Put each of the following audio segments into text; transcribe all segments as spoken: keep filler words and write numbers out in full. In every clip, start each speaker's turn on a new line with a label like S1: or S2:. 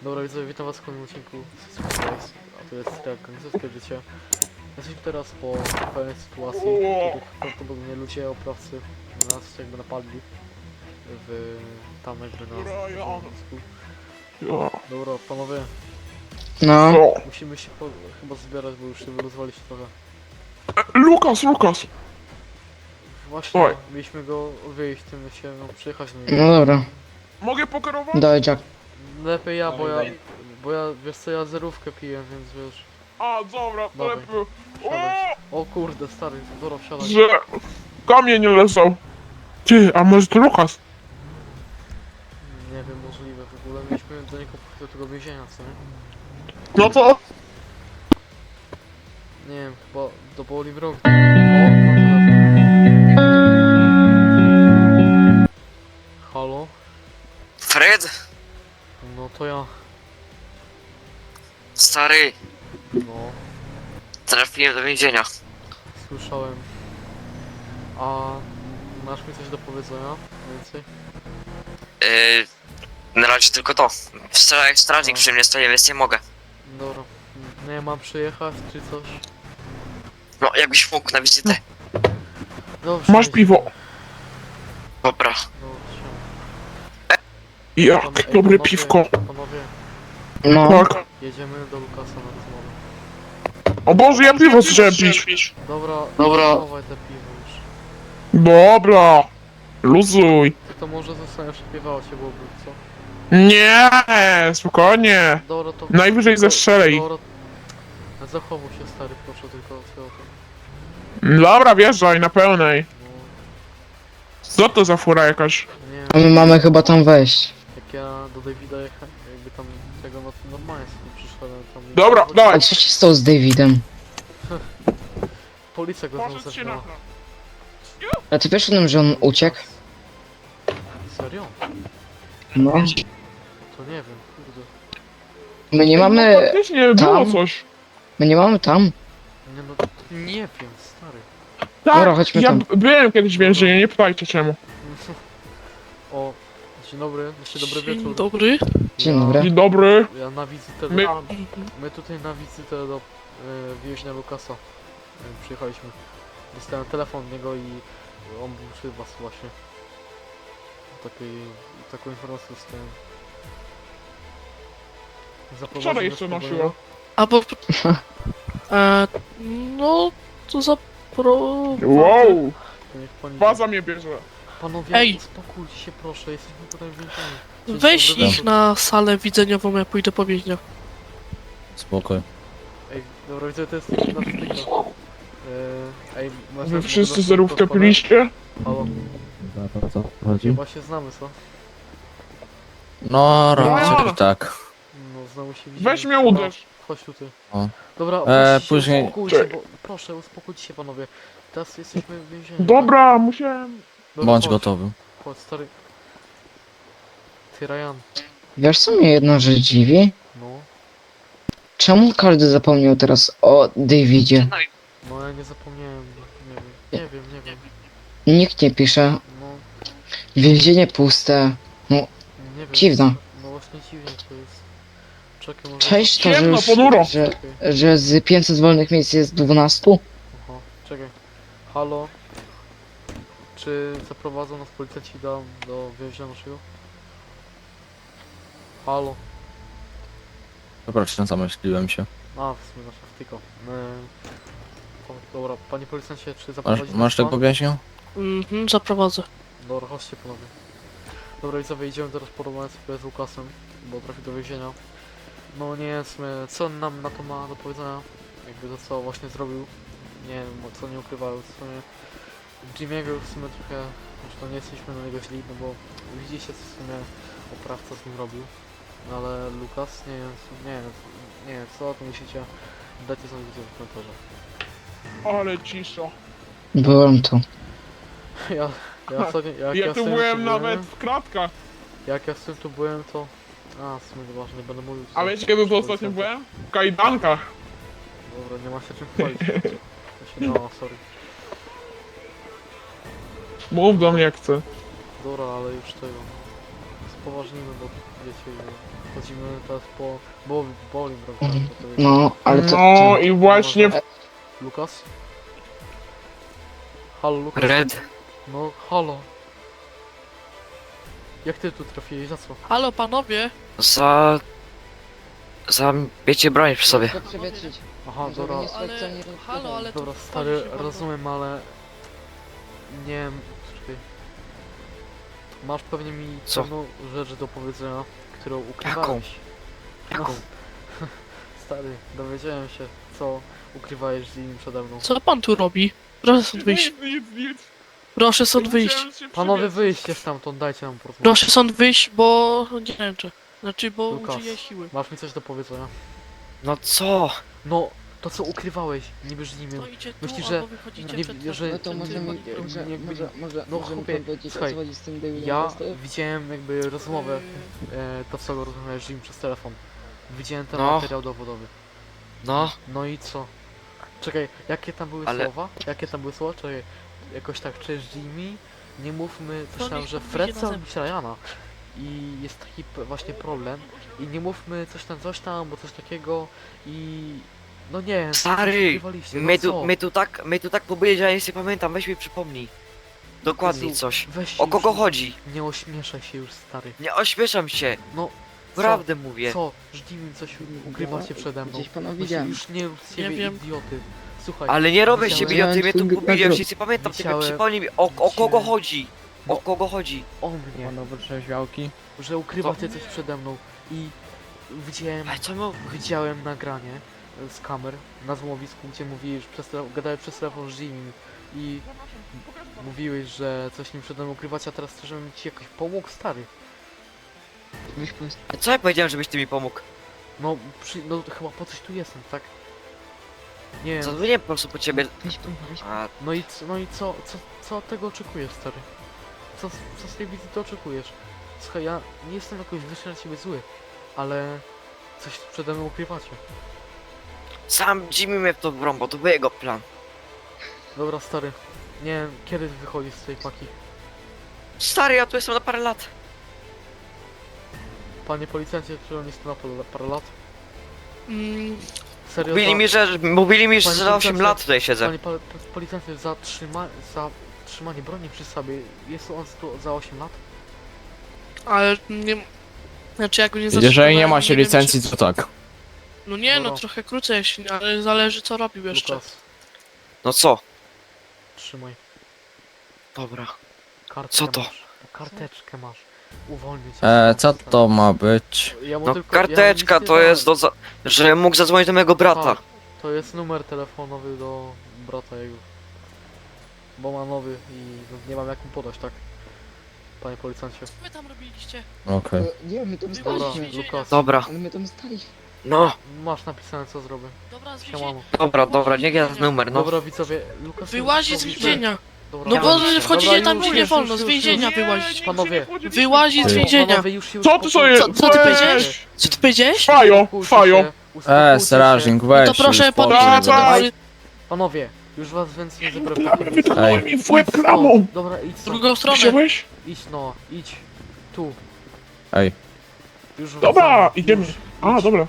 S1: Dobra widzowie, witam was w kolejnym odcinku z Space, a to jest tak gangsterskie życie. Jesteśmy teraz po pewnej sytuacji, w których prawdopodobnie ludzie, oprawcy nas jakby napadli w tam jakby na wojsku. Dobra, panowie,
S2: No,
S1: musimy się po, chyba zbierać, bo już się wyluzowaliście trochę.
S3: Lukas, Lukas!
S1: Właśnie,
S3: Oj.
S1: mieliśmy go odwiedzić, tym się no, przyjechać do niego.
S2: no dobra.
S3: Mogę pokierować?
S2: Dawaj, Jack.
S1: Lepiej ja, bo ja, bo ja, wiesz co, ja zerówkę piję, więc wiesz.
S3: A, dobra, to
S1: Dawaj.
S3: lepiej.
S1: Wsiadaj. O kurde, stary, dobra, wsiadaj.
S3: Że kamień nie leżał. Ty, a może to Lukas?
S1: Nie wiem, możliwe w ogóle. Mieliśmy do niego pójść do tego więzienia, co nie?
S3: No to...
S1: Nie wiem, chyba do Boli w rok. O, mam telefon. Halo?
S4: Fred?
S1: No to ja.
S4: Stary,
S1: No,
S4: trafiłem do więzienia.
S1: słyszałem. A masz mi coś do powiedzenia? Więcej?
S4: Yy, na razie tylko to. Strzelaj strażnik
S1: No.
S4: przy mnie stoi, więc nie mogę.
S1: Dobra. Nie mam przyjechać, czy coś?
S4: No, jakbyś mógł na wizytę.
S1: Dobrze.
S3: Masz
S1: jedziemy.
S3: piwo.
S1: Dobra,
S4: Dobra.
S1: siema.
S3: Jak
S1: Pan- ej,
S3: dobre
S1: panowie,
S3: piwko.
S1: Panowie,
S2: No,
S3: Tak.
S1: jedziemy do Lukasa na rozmowę.
S3: O Boże, ja piwo chciałem pić.
S1: Dobra,
S2: Dobra.
S1: chowaj te piwo już.
S3: Dobra. Luzuj.
S1: Ty to może zostaniesz śpiewało cię byłoby, co?
S3: Nie, spokojnie.
S1: Dobra, to...
S3: Najwyżej
S1: tylko-
S3: zestrzelej.
S1: Dobra. Zachowuj się, stary, proszę, tylko co o tym.
S3: Dobra, wjeżdżaj na pełnej.
S1: No,
S3: Co to za fura jakaś?
S1: nie
S2: a my
S1: wiem,
S2: mamy chyba tam wejść.
S1: jak ja do Davida jechałem, jakby tam tego no, normalnie sobie przyszedłem tam... i-
S3: Dobra,
S2: A
S3: dawaj.
S2: co się stało z Davidem?
S1: Policja go znowu
S3: Poszedł się na...
S1: zabrała.
S2: A ty wiesz o tym, że on uciekł?
S1: Serio?
S2: No.
S1: To nie wiem, kurde.
S2: My nie
S3: No,
S2: mamy...
S3: faktycznie było
S2: tam?
S3: coś.
S2: My nie mamy tam?
S1: Nie no, nie wiem, stary.
S3: Tak,
S2: Dobra, chodźmy
S3: ja
S2: tam.
S3: b- byłem kiedyś w więzieniu, nie pytajcie czemu.
S1: O, dzień dobry, jeszcze dobry
S5: Dzień
S1: wieczór.
S5: dobry.
S2: Dzień
S1: Ja-
S2: dobry.
S3: Dzień dobry.
S1: Ja na wizytę,
S3: My...
S1: my tutaj na wizytę do y, więźnia Lukasa y, przyjechaliśmy. Dostałem telefon od niego i on był przy was właśnie. Takiej, taką informację dostałem. Zaprowadził
S3: Wczoraj
S1: nas
S3: jeszcze
S1: po
S3: nosiła.
S1: boju.
S5: A bo... E, no, to zapro...
S3: Wow.
S1: To niech pani...
S3: Baza mnie bierze.
S1: Panowie,
S5: Ej!
S1: uspokójcie się proszę, jesteśmy tutaj w więzieniu. Dzień
S5: Weź
S1: dobry
S5: ich
S1: wieczór.
S5: na salę widzeniową, ja pójdę po więźniach.
S6: Spokoj.
S1: Ej, dobra, widzę, to jest nasz tylko. Ej, masz
S3: Wy
S1: nas-
S3: wszyscy
S1: nas-
S3: zerówkę
S1: nas-
S3: piliście?
S1: Halo,
S6: O co chodzi?
S1: chyba się znamy, co?
S6: No,
S3: No.
S6: raczej tak.
S1: No, znowu się widzimy.
S3: Weź mnie uderz.
S1: Chodź tutaj.
S6: O.
S1: Dobra,
S6: E,
S1: proszę się
S6: później-
S1: uspokójcie,
S3: Czekaj.
S1: bo... Proszę, uspokójcie się panowie. Teraz jesteśmy w więzieniu.
S3: Dobra, musiałem...
S1: Dobra,
S6: Bądź
S1: chodź,
S6: gotowy.
S1: Chodź, stary. Ty, Ryan.
S2: Wiesz co mnie jedna rzecz dziwi?
S1: No.
S2: Czemu każdy zapomniał teraz o Davidzie?
S1: No, ja nie zapomniałem. Nie wiem, nie wiem, nie wiem.
S2: Nikt nie pisze.
S1: No,
S2: Więzienie puste.
S1: nie wiem.
S2: Dziwne.
S1: No właśnie dziwnie to jest. Czekaj, może...
S2: Cześć, to że,
S3: Ciemno,
S2: już,
S3: ponuro.
S2: że,
S1: Czekaj.
S2: że z pięćset wolnych miejsc jest dwanaście?
S1: Aha, czekaj. Halo? Czy zaprowadzą nas policjanci do, do więzienia naszego? Halo?
S6: Przepraszam, zamyśliłem się.
S1: A, w sumie nasza wtyko. Yy, o, dobra, panie policjancie, czy
S6: Masz,
S1: zaprowadzi nas
S6: masz
S1: pan?
S6: tego więźnia?
S5: Mhm, zaprowadzę.
S1: Dobra, chodźcie panowie. Dobra, widzowie, idziemy teraz porozmawiać sobie z Łukasem, bo trafi do więzienia. No nie wiem, w sumie, co on nam na to ma do powiedzenia? Jakby to, co właśnie zrobił. Nie wiem, co nie ukrywają. W sumie Jimmy'ego w sumie trochę, zresztą nie jesteśmy na niego źli, no bo widzicie, co w sumie oprawca z nim robił. No ale Lukas, nie wiem, nie wiem, nie wiem, co o tym myślicie? Dajcie sobie widzieć w komentarze.
S3: Ale cisza.
S2: Byłem tu.
S1: Ja, ja, ostatnio, jak
S3: Ja
S1: ja z
S3: tu
S1: tym
S3: byłem
S1: tu
S3: nawet
S1: byłem,
S3: w kratkach.
S1: jak ja z tym tu byłem, to... A, w sumie nieważne, nie będę mówił. co-
S3: A wiecie kiedy tu
S1: co
S3: ostatnio
S1: policjanta.
S3: byłem? W kajdankach.
S1: Dobra, nie ma się czym chwalić. Ja się, no, sorry.
S3: Mów do mnie jak chcę.
S1: Dobra, ale już tego... Spoważnimy, bo wiecie... chodzimy teraz po Bo- Bolingbrook, tak?
S2: Mhm.
S1: To to jest-
S2: No, ale to...
S3: No
S2: to...
S3: i właśnie...
S1: Lukas? Halo, Lukas?
S4: Red.
S1: No, halo. Jak ty tu trafiłeś, za co?
S5: Halo panowie!
S4: Za... Za miecie broń przy sobie.
S2: To przewietrzyć.
S1: Aha,
S2: Żeby
S1: dobra,
S2: nie słychać, co
S5: Ale,
S2: oni
S5: halo, ale to
S1: dobra,
S5: wchodzi
S1: stary,
S5: się bardzo.
S1: rozumiem, ale... Nie wiem, czekaj. Masz pewnie mi
S4: Co?
S1: pewną rzecz do powiedzenia, którą ukrywałeś.
S4: Jaką?
S1: No. Stary, dowiedziałem się, co ukrywałeś z nim przede mną.
S5: Co pan tu robi? Proszę stąd wyjść.
S3: Nic, nic, nic.
S5: Proszę stąd wyjść.
S3: Chciałem się
S1: Panowie,
S3: przywieźć.
S1: wyjście stamtąd, dajcie nam porozmawiać.
S5: Proszę stąd wyjść, bo nie wiem czy. Znaczy, bo
S1: Lukas.
S5: użyję siły.
S1: Masz mi coś do powiedzenia?
S4: No co?
S1: No, to co ukrywałeś, niby z nim.
S5: No idzie tu,
S1: Myślisz, że
S5: albo wychodzicie
S1: nie-
S5: przed
S1: że-
S2: No to
S5: przed
S2: może
S5: tym-
S2: mi...
S1: nie-
S2: Może,
S1: nie-
S2: może, może,
S1: no,
S2: może mi
S1: chłopie,
S2: pan powiedzieć, o
S1: słuchaj,
S2: co chodzi z tym Davidem
S1: Ja
S2: Westem?
S1: widziałem jakby rozmowę, e, to co rozmawiałeś z nim przez telefon. Widziałem ten
S4: No.
S1: materiał dowodowy.
S4: No.
S1: No i co? Czekaj, jakie tam były
S4: Ale-
S1: słowa? Jakie tam były słowa? Czekaj, jakoś tak, cześć Jimmy, nie mówmy,
S5: To
S1: coś tam,
S5: niech
S1: że
S5: pan
S1: Fred
S5: wyjdzie na
S1: chce
S5: zewnątrz.
S1: robić Ryana. I jest taki p- właśnie problem. I nie mówmy coś tam, coś tam, bo coś takiego i... No nie wiem, coś
S4: Stary,
S1: ukrywaliście, no
S4: My
S1: co?
S4: tu, my tu tak, my tu tak powiedzieli, ja nic nie pamiętam, weź mi przypomnij. Dokładnie
S1: Jezu,
S4: coś.
S1: Weź
S4: O
S1: już
S4: kogo
S1: nie-
S4: chodzi?
S1: Nie ośmieszaj się już, stary.
S4: Nie ośmieszam się,
S1: No,
S4: prawdę mówię.
S1: co? Jimmy coś ukrywacie przede mną.
S2: Gdzieś pana
S1: Weź
S2: widziałem.
S1: Już nie rób z siebie
S5: Nie wiem.
S1: idioty. Słuchaj,
S4: Ale nie robię się
S1: Widziałem
S4: idioty, mnie tu
S2: twój
S4: powiedział,
S2: mikro-
S4: nic nie pamiętam, tylko
S1: Widziałem-
S4: przypomnij mi, o, o kogo
S1: widziałem-
S4: chodzi? O
S1: No.
S4: kogo chodzi?
S1: o mnie,
S6: Panowie trzeźwiałki.
S1: że ukrywacie coś przede mną i widziałem,
S4: Ale co my...
S1: widziałem nagranie e, z kamer na złowisku, gdzie mówiłeś, przez tele- gadałeś przez telefon z Jimmy i mówiłeś, że coś nim przede mną ukrywacie, a teraz chcesz, żebym ci jakoś pomógł, stary.
S2: Weź pan...
S4: A co ja powiedziałem, żebyś ty mi pomógł?
S1: No, przy, no chyba po coś tu jestem, tak? Nie wiem,
S4: Zadzwoniłem po prostu po ciebie.
S2: Weź pan, weź pan.
S4: A,
S1: no i, c- no i co, co, co od tego oczekujesz, stary? Co, co z tej wizji to oczekujesz? Słuchaj, ja nie jestem jakoś wyższy na ciebie zły, ale coś przede mną ukrywacie.
S4: sam Jimmy mnie w to wrąbał, to był jego plan.
S1: Dobra, stary, nie wiem, kiedy wychodzisz z tej paki?
S4: Stary, ja tu jestem na parę lat.
S1: Panie policjancie, czy on jest tu na parę- parę lat?
S5: Mm,
S1: Serio,
S4: Mówili
S1: za,
S4: mi, że, mówili mi, że
S1: Panie
S4: za osiem
S1: policjancie,
S4: lat tutaj siedzę.
S1: Panie pol- po- policjancie, za, trzyma, za trzymanie broni przy sobie, jest on tu za osiem lat?
S5: ale nie... Znaczy jak go nie
S6: Jeżeli
S5: zatrzymałem,
S6: nie macie
S5: wiem,
S6: licencji,
S5: czy-
S6: to tak.
S5: No nie, no
S1: Dobra.
S5: trochę krócej, ale zależy co robił jeszcze.
S1: Lukas,
S4: No co?
S1: trzymaj.
S4: Dobra.
S1: Kartkę
S4: Co to?
S1: Masz. Karteczkę masz. Uwolnię cię.
S6: E, co to ma być?
S1: Ja mu
S4: No
S1: tylko- ja mu
S4: karteczka
S1: nic nie
S4: to
S1: dałem.
S4: jest do... Za... że mógł zadzwonić do mojego brata.
S1: Tak, to jest numer telefonowy do brata jego. Bo ma nowy i no, nie mam jak mu podać, tak? Panie policjancie.
S5: Co wy tam robiliście?
S6: Okej.
S2: E, Nie, my tam
S5: Dobra,
S1: Dobra,
S2: staliśmy.
S1: Lukas.
S4: Dobra,
S2: Ale my tam staliśmy.
S4: no,
S1: Masz napisane co zrobię.
S5: Dobra, z więzienia.
S1: Siemano.
S4: dobra, dobra, niech jest numer, no.
S1: Dobra widzowie, Lukas...
S5: Wyłazi z
S1: powiedz-
S5: więzienia.
S1: Dobra,
S5: No
S4: Ja
S5: bo
S4: wiem.
S5: wchodzicie
S1: Dobra,
S5: tam
S1: już,
S5: gdzie nie
S1: już,
S5: wolno,
S1: już,
S5: z
S1: już,
S5: więzienia
S1: już.
S5: wyłazić.
S1: Panowie,
S5: Wyłazi z
S6: Ty.
S5: więzienia.
S1: Panowie, już się
S3: Co ty
S1: uspokójcie.
S3: sobie...
S5: Co- co ty
S3: Weź!
S5: powiedziałeś? Co ty powiedziałeś?
S3: Fajo,
S1: Uspokójcie
S3: fajo!
S1: się, uspokójcie
S6: E,
S1: się.
S6: strażnik,
S5: No
S6: weź
S5: to proszę
S6: się
S5: podnieść
S3: Tak,
S6: uspokój.
S3: tak.
S5: ręce.
S1: Panowie, już was więcej nie zabiorę w takim
S3: Wytrwałem mi w łeb
S1: No,
S3: klamą!
S1: dobra, idź
S5: W
S1: stąd.
S5: drugą stronę.
S3: Wziąłeś?
S1: Idź no, idź. Tu.
S6: Ej,
S1: Już
S3: Dobra,
S1: wracamy.
S3: idziemy.
S1: Już,
S3: A,
S1: idź.
S3: dobra.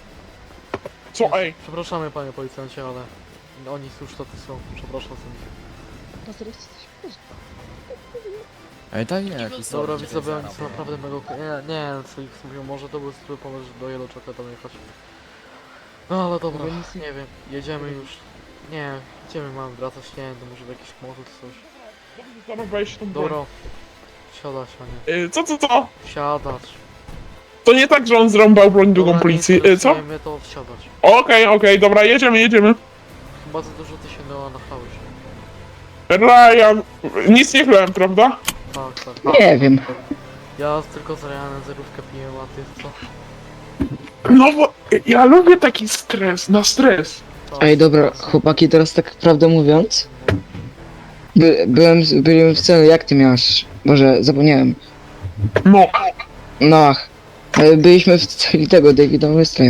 S3: Co, ej?
S1: Przepraszamy panie policjancie, ale oni już to są. Przepraszam za nich.
S2: No teraz jesteś prosto.
S6: ej, daj nie.
S1: Dobra, widzowie, oni są naprawdę mega... Nie, nie, co ich mówią, może to był zły pomysł, żeby do Yellow Jacka tam jechać. No ale dobra,
S2: Dobra, nic nie-
S1: nie wiem, jedziemy już. Nie, idziemy, mamy wracać, nie wiem, to może w jakiś motyl czy coś.
S3: Zaraz weź tą broń.
S1: Dobra. Siadać, a nie.
S3: Y, Co, co, co?
S1: Siadać.
S3: To nie tak, że on zrąbał broń drugą
S1: Dobra,
S3: policji.
S1: nie
S3: Y, Co?
S1: mnie to siadać.
S3: Okej, okej, dobra, jedziemy, jedziemy.
S1: Chyba za dużo ty się nachałeś.
S3: Ryan, nic nie chlałem, prawda?
S1: Tak, tak.
S2: Nie wiem.
S1: Ja tylko z Ryanem zerówkę piję, a ty co?
S3: No bo ja lubię taki stres, na stres.
S1: Tak,
S2: Ej, dobra, chłopaki, teraz tak prawdę mówiąc. By, byłem, z- byłem w celu, jak ty miałeś? Boże, zapomniałem.
S3: No,
S2: No ach. Ale byliśmy w celi tego Davida Westa.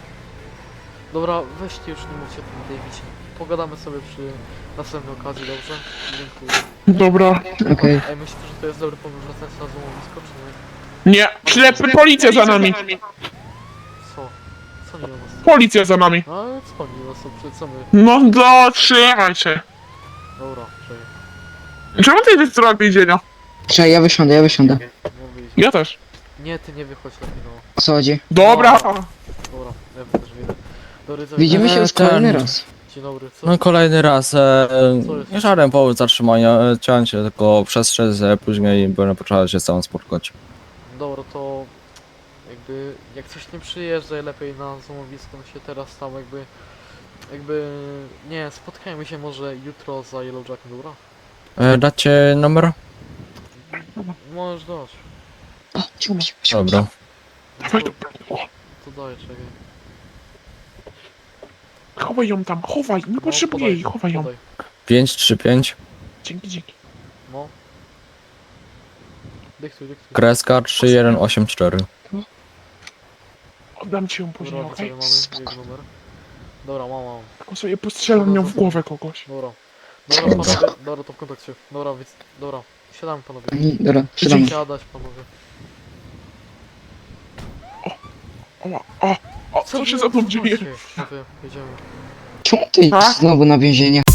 S1: Dobra, weźcie już nie mówcie o tym Davidzie. Pogadamy sobie przy następnej okazji, dobrze? Dziękuję.
S3: dobra.
S2: Okej.
S1: Ej, myślicie, że to jest dobry pomysł wracając na złomowisko, czy nie?
S3: Nie, ślepy, policja za nami.
S1: Co? Co nie do nas?
S3: Policja za nami.
S1: No ale co nie do nas? To przecież co my?
S3: No dotrzymaj się.
S1: Dobra, czekaj.
S3: Czemu ty idziesz w stronę więzienia?
S2: Czekaj, ja wysiądę, ja wysiądę.
S1: No wyjdź.
S3: Ja też.
S1: Nie, ty nie wychodź lepiej, no.
S2: O co chodzi?
S3: Dobra.
S1: Dobra, ja też wyjdę. Dobry, co
S2: Widzimy się
S6: Eee,
S2: już kolejny
S6: ten-
S2: raz.
S1: Dzień dobry, co?
S6: No kolejny raz, e,
S1: Co jest?
S6: nie żaden powód zatrzymania, e, chciałem się tylko przestrzec, e, później będę potrzebował się z całą spotkać.
S1: Dobra, to jakby jak coś nie przyjeżdżaj lepiej na złomowisko, no się teraz tam jakby jakby nie, spotkajmy się może jutro za Yellow Jackiem, dobra?
S6: E, dacie numer?
S1: Możesz dać.
S2: O, cicho, cicho, cicho.
S6: Dobra.
S3: Dawaj,
S1: To,
S3: dobra.
S1: to daj, czekaj.
S3: Chowaj ją tam, chowaj, nie
S1: No,
S3: potrzebuję
S1: podaj,
S3: jej, chowaj ją.
S1: podaj.
S6: pięć trzy pięć,
S3: Dzięki, dzięki.
S1: No. Dyktuj, dyktuj.
S6: kreska trzy jeden osiem cztery.
S3: Oddam ci ją później,
S1: Dobra,
S3: okej?
S1: sobie mamy jego numer. Dobra, mam, mam.
S3: Tylko sobie postrzelam ją w głowę kogoś.
S1: Dobra. Dobra, panowie, dobra, to w kontakcie. Dobra, więc, dobra. Siadamy, panowie.
S2: Oni- Dobra, siadamy.
S1: Siadać, panowie.
S3: O, o, o, co się za mną dzieje?
S1: Panowie, jedziemy.
S2: Czemu ty
S3: A?
S2: znowu na więzienie?